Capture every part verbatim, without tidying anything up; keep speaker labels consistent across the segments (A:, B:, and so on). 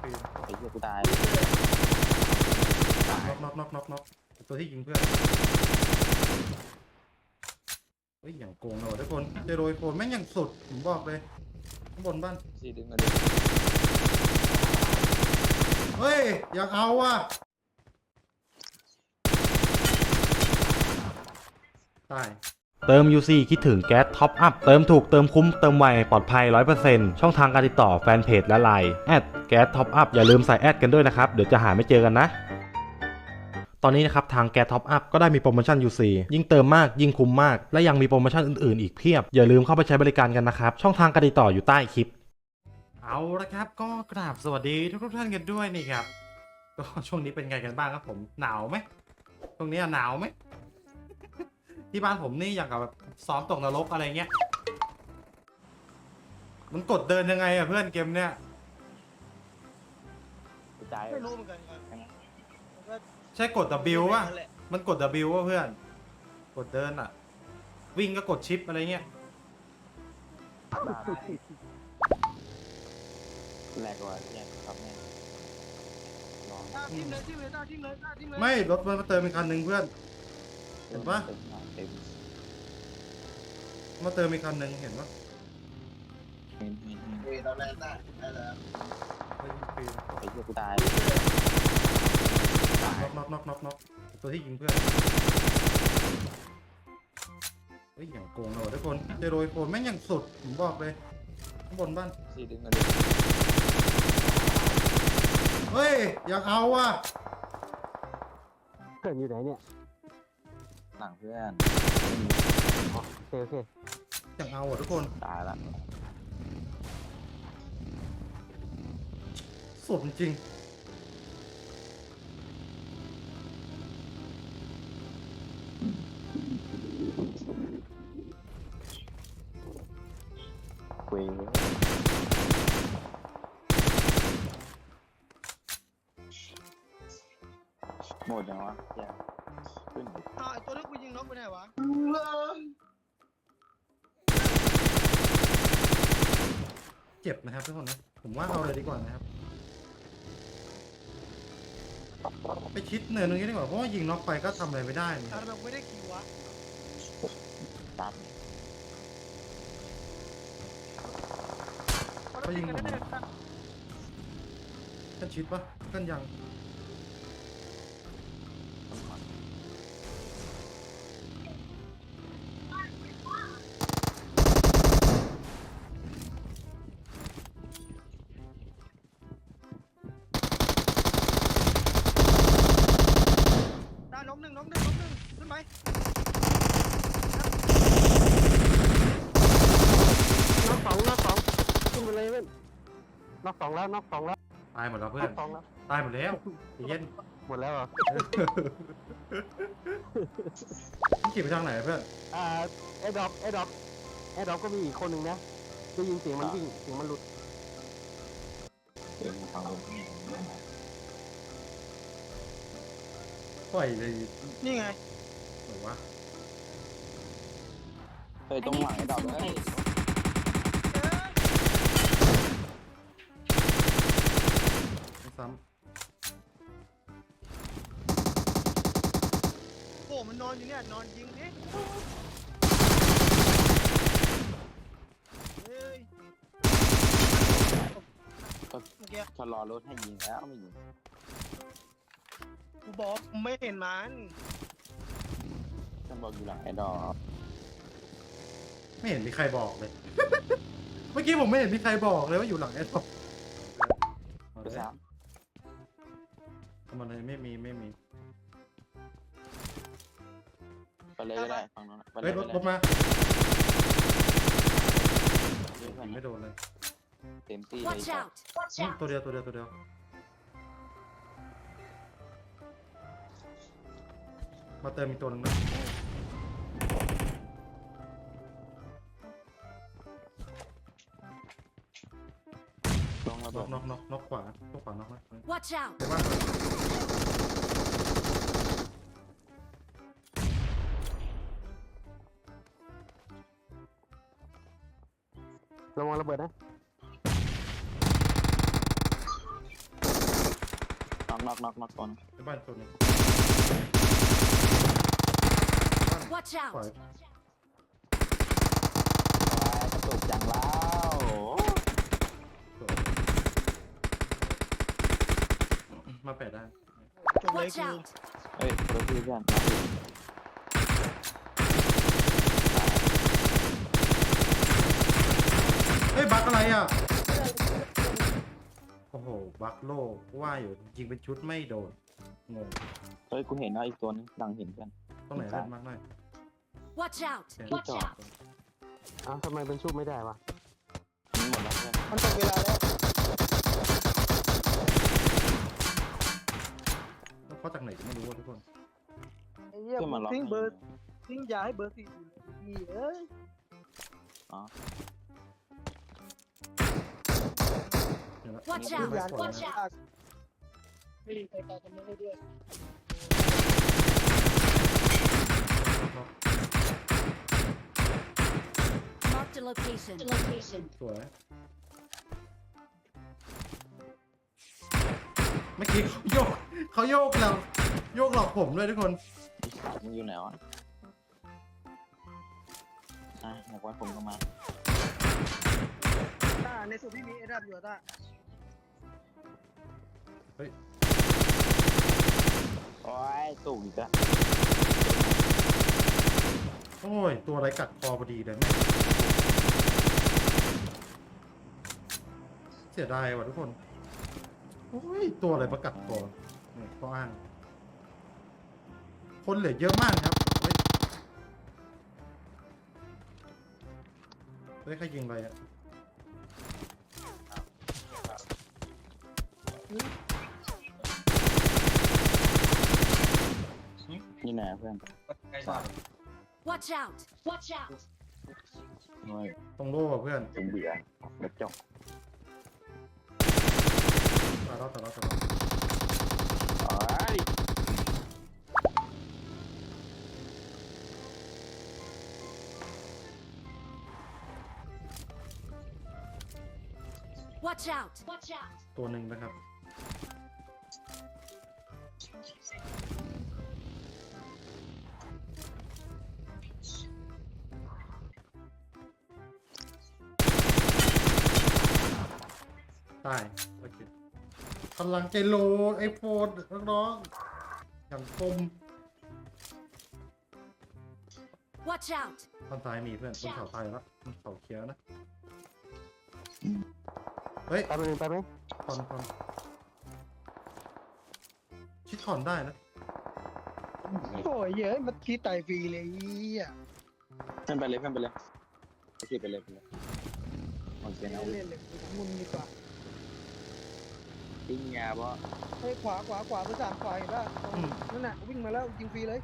A: ปีน
B: ไอ้เหี้ยกูตาย
A: น็อกน็อกน็อกน็อกน็อกตัวที่ยิงเพื่อนเฮ้ยอย่างโกงเราทุกคนเจโรยโคนแม่งอย่างสุดผมบอกเลยข้างบนบ้าน
B: ซีดึงมาดิ
A: เฮ้ยอยากเอาว่ะตาย
C: เติม ยู ซี คิดถึงแก๊สท็อปอัพเติมถูกเติมคุ้มเติมไวปลอดภัย ร้อยเปอร์เซ็นต์ ช่องทางการติดต่อแฟนเพจและไลน์แอดแก๊สท็อปอัพอย่าลืมใส่แอดกันด้วยนะครับ เดี๋ยวจะหาไม่เจอกันนะ ตอนนี้นะครับทางแก๊สท็อปอัพก็ได้มีโปรโมชั่น ยู ซี ยิ่งเติมมากยิ่งคุ้มมากและยังมีโปรโมชั่นอื่นๆอีกเพียบอย่าลืมเข้าไปใช้บริการกันนะครับช่องทางการติดต่ออยู่ใต้คลิปเอาละครับก็กราบสวัสดีทุกท่านกันด้วยนี่ครับก็ช่วงนี้เป็นไงกันบ้างครับผมหนาวไหมช่วงนี้หนาวไหม ที่บ้านผมนี่อย่างกับแบบซ้อมตกนรกอะไรเงี้ยมันกดเดินยังไงอะเพื่อนเกมเนี้ย
B: กูตาย
D: ไม่รู้เหมือนกันครับ
A: ใช่กด W ป่ะมันกด W ป่ะเพื่อนกดเดินอะวิ่งก็กดชิปอะไรเงี้ย
B: แรงกว่าเนี่ยครับแม่ลอง
D: ตาทิ้งเลยทิ้งเลยตาทิ้งเลยตาทิ้งเลย
A: ไม่รถมันมาเติมอีกคันหนึ่งเพื่อนเห็นปะ
B: เต็มเต็ม
A: มาเติมอีกคันหนึ่งเห็นปะ
B: เห็นเห็นเห็น
D: เฮ้ยเราแรงได้ได้แล้ว
A: เฮ้ยปีน
B: ไอ้เหี้ยกูตาย
A: น็อกน็อกน็อกน็อกน็อกตัวที่ยิงเพื่อนเฮ้ยอย่างโกงเราทุกคนเจโรยโคนแม่งอย่างสุดผมบอกเลยข้างบนบ้าน
B: ซีดึงมาดิ
A: เฮ้ยอยากเอาว่ะ
E: เพื่อนอยู่ไหนเนี่ย
B: หลังเพื่อน
E: อ๋อโอเคโอเค
A: อยากเอาอ่ะทุกคน
B: ตายละ
A: สุดจริง
B: เว้ยหมดยังวะแย่ขึ้นดิ
D: อ้าวไอตัวที่กูยิงน็อกไปไหนวะ
A: เจ็บนะครับทุกคนนะผมว่าเอาเลยดีกว่านะครับไปชิดเนินตรงนี้ดีกว่าเพราะว่ายิงน็อกไปก็ทำอะไรไม่ได้นะค
D: ตา
A: รับ
D: เราไม่ได้คิววะ
B: ตัด
A: เขายิงผมกันชิดปะกันยัง
D: ตาน็อกหนึ่งน็อกหนึ่งน็อกหนึ่งขึ้นไป
E: น็อกสองน็อกสองขึ้นไปเลยเพื่อนน็อกสองแล้วน็อกสองแล้ว
A: ตายหมดแล้วเพื่
E: น็
A: อ
E: อน กสองแล้ว
A: ตายหมดแล้วใจเย็น
E: หมดแล้วเหรอ
A: พี่ขี่ไปทางไหนเพื่อน
E: อ่าแอดดอปแอดดอปแอดดอปก็มีอีกคนหนึ่งนะได้ยินเสียงมันวิ่งเสียงมันหลุด
B: เต็มทางลง
A: ปล่อยเลย
D: นี่ไง
A: หรือวะ
B: เฮ้ยตรงหลังไอ้ดอกเฮ้ย
A: ไม่ซ้
D: โอ้มันนอนอยู่เนี่ยนอนยิงดิเฮ้ยเมื่อกี้
B: ชะลอรถให้ยิงแล้วไม่ยิง
D: กูบอกไม่เห็นมัน
B: ฉันบอกอยู่หลังไอ้ดอก
A: ำไม่เห็นมีใครบอกเลย เมื่อกี้ผมไม่เห็นมีใครบอกเลยว่าอยู่หลังไอ้ท็อปเอา
B: ไป
A: เลย
B: ซ้
A: ทำอะไรไม่มีไม่มี
B: ำไปเลยก็ได้ฝั่งนั้นไปเล
A: เฮ้ย
B: ย
A: รถ
B: ไป
A: รถมา
B: เลย
A: ยิงไม่โดนเลย
B: เต็มที่เลย
F: Watch out! Watch
A: อืม
F: out!
A: ตัวเดียวตัวเดียวตัวเดียวมาเติมอีกตัวหนึงนะ
B: ลงระ
A: น็
B: เบิ
A: อ
B: ด
A: กน็อกน็อกน็อกขวาน็อกขวาน็อกนะ
F: Watch out!
A: เดี๋ยวว่า
E: ระวังระเบิดนะ
B: น็อกน็อกน็อกตัวนึง
A: ในบ้านตัวหนึง
F: Watch
A: ปล่อย
F: out!
B: กระตุกจังแล้ว
A: สวยมาแปะได้
D: จบเลย
F: Watch
D: กู
F: out!
B: เฮ้ยรถพี่เพื่อน
A: เฮ้ยบักอะไรอ่ะโอ้โหบักโลกว่าอยู่ยิงเป็นชุดไม่โดนงง
B: เฮ้ยกูเห็นแล้วอีกตัวนึงดังเห็นเพื่อน
A: ตรงไหนเล่นมากหน่อย
F: Watch out!
B: ที่จอด
E: อ้าวทำไมเป็นชุบไม่ได้วะ
B: นี่หมดแล้วเพื่อน
D: มันตกเวลาแล้ว
A: แล้วเขาจากไหนก็ไม่รู้อะทุกคน
D: ไอ้เหี้ย
B: ขึ้นมาล็อก
D: ทิ้งเบอร์ทิ้งยาให้เบอร์สี่อยู่เลยพี่เอ้ย
B: อ๋อ
A: เดี๋ยวนะ
F: Watch
A: ไม่
F: out!
A: ไม่ปล่อย
F: Watch
A: นะ
F: out!
D: ไม่มีใครตายกันไม่ได้ด้วย
F: Marked a location. Location.
A: สวยเมื่อกี้เขาโยกเขาโยกเราโยกหลอกผมด้วยทุกคน
B: ไอ้สัตว์มึงอยู่ไหนวะอ่ะอยากไว้ผมก็มา
D: ต้าในสุดพี่มีเอดับอยู่อะต้า
A: เฮ้ย
B: โอ้ยตุกอีกแล้ว
A: โอ้ยตัวอะไรกัดคอพอดีเลยแม่งเสียดายว่ะทุกคนโอ้ยตัวอะไรประกัดคอนี่ข้ออ้าง คนเหลือเยอะมากครับเฮ้ยเฮ้ยใครยิงอะไรอ่ะ
B: นี่ไหนเพื่อน
F: Watch out! Watch out!
B: โอ้ย
A: ตรงโล่อะเพื่อน
B: ผมเบื่อเด็กจบ
A: ตายแล้วตายแล้วตายแล้ว
B: โอ้ย
F: Watch out! Watch out!
A: ตัวหนึ่งนะครับตายโอเคพลังเจโลไอโฟนน้องๆอย่างคม
F: Watch out!
A: ทางซ้ายมีเพื่อนบนเขาตายแล้วบนเขาเขียวนะ เฮ้ย
E: ไปไปไปไหม
A: คอนคอนชิดคอนได้นะ
D: โอ้ยเยอะมันทีตายฟรีเลยไอ้เหี้ย
B: เพื่อนไปเลยเพื่อนไปเลยไปสิไปเลยไปเลยโอเคนะ
D: เล่นเลยมุนดีกว่า
B: ติ้งยาบ่
D: เฮ้ยขวาขวาขวาเบอร์สามขวาเห็นป่ะตรงนั่นน่ะวิ่งมาแล้วยิงฟรีเลย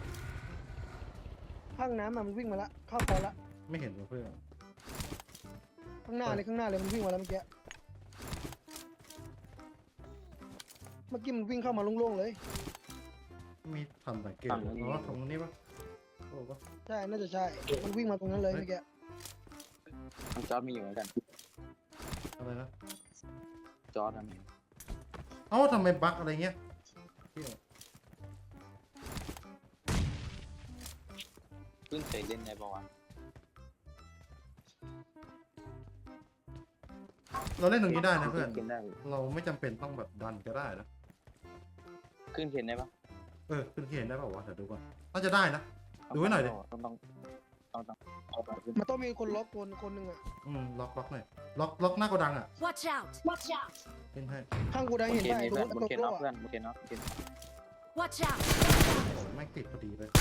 D: ข้างน้ำอะมันวิ่งมาละเข้าคอละ
A: ไม่เห็นว่ะเพื่อน
D: ข้างหน้าเลยข้างหน้าเลยมันวิ่งมาแล้วเมื่อกี้เมื่อกี้มันวิ่งเข้ามาโล่งๆเลย
A: มีทำสังเกตอ๋อตรงนี้ปะโอ้ปะ
D: ใช่น่าจะใช่มันวิ่งมาตรงนั้นเลยเมื่อกี้
B: มันจอร์ดมีอยู่เหมือนกัน
A: อะไรนะ
B: จอร์ดนะมี
A: เอ้าทำไมบั๊กอะไรเงี้ยเหี้ย
B: เพิ่งเคยเล่นในประวัติ
A: เราเล่นตรงนี้ได้นะเพื่อน
B: ขึ้นได้
A: เราไม่จำเป็นต้องแบบดันก็ได้นะ
B: ขึ้นเขียนได้ปะ
A: เออขึ้นเขียนได้เปล่าวะเดี๋ยวดูก่อนน่าจะได้นะ ดูไว้หน่อยดิ
B: ต้องต้องต้องต้องเอาไปขึ้น
D: มันต้องมีคนล็อกคนคนหนึ่งอ่ะ
A: อืมล็อกล็อกหน่อยล็อกล็อกหน้าโกดังอ่ะ
F: Watch out! Watch out!
A: เล่นให้
D: ข้างกูได้
B: บน
D: เห็น
B: เขียน
D: ป่ะ
B: มี
D: ตรง
B: เพื่อน
D: นั้น
B: บน
D: ตัว
B: เขียน
D: โต
B: น็อก
D: อ่ะ
B: เพื่อนบนเขียนน็อกเขียน
F: Watch out!
A: โอ้แม่งติดพอดีเลย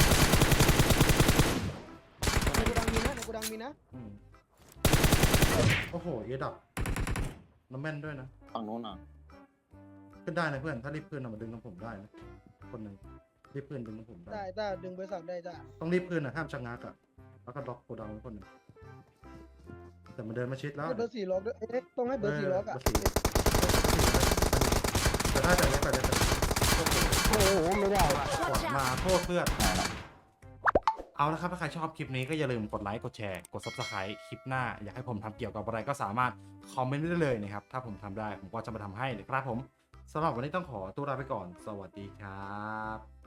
D: ในกูดังมีนะในกูดังมีนะ
A: อืมโอ้โหเอดับน้ำแม่นด้วยนะ
B: ฝั่งนู้นอ่ะ
A: ขึ้นได้นะเพื่อนถ้ารีบขึ้นอะมาดึงน้ำผมได้นะคนหนึ่งรีบขึ้นดึงน้ำผมได้
D: ได้ได้ดึงบริษัทได้จ้ะ
A: ต้องรีบขึ้นนะห้ามชะงักอ่ะแล้วก็ล็อกโกดังไว้คนหนึ่งแต่มันเดินมาชิดแล้ว
D: ให้เบอร์สี่ล็อกด้วยเอ๊ะต้องให้เบอร์สี่ล็อกอ่ะ
A: เบร์สี่แต่ถ้าแต่เล็กแต่เล็กแต่
E: โอ้โหไม่ได้ว่ะ
A: ก่อนมาโทษเพื่อนเอาละครับถ้าใครชอบคลิปนี้ก็อย่าลืมกดไลค์กดแชร์กด ซับสไครบ์ คลิปหน้าอยากให้ผมทำเกี่ยวกับอะไรก็สามารถคอมเมนต์ได้เลยนะครับถ้าผมทำได้ผมก็จะมาทำให้นะครับผมสำหรับวันนี้ต้องขอตัวลาไปก่อน สวัสดีครับ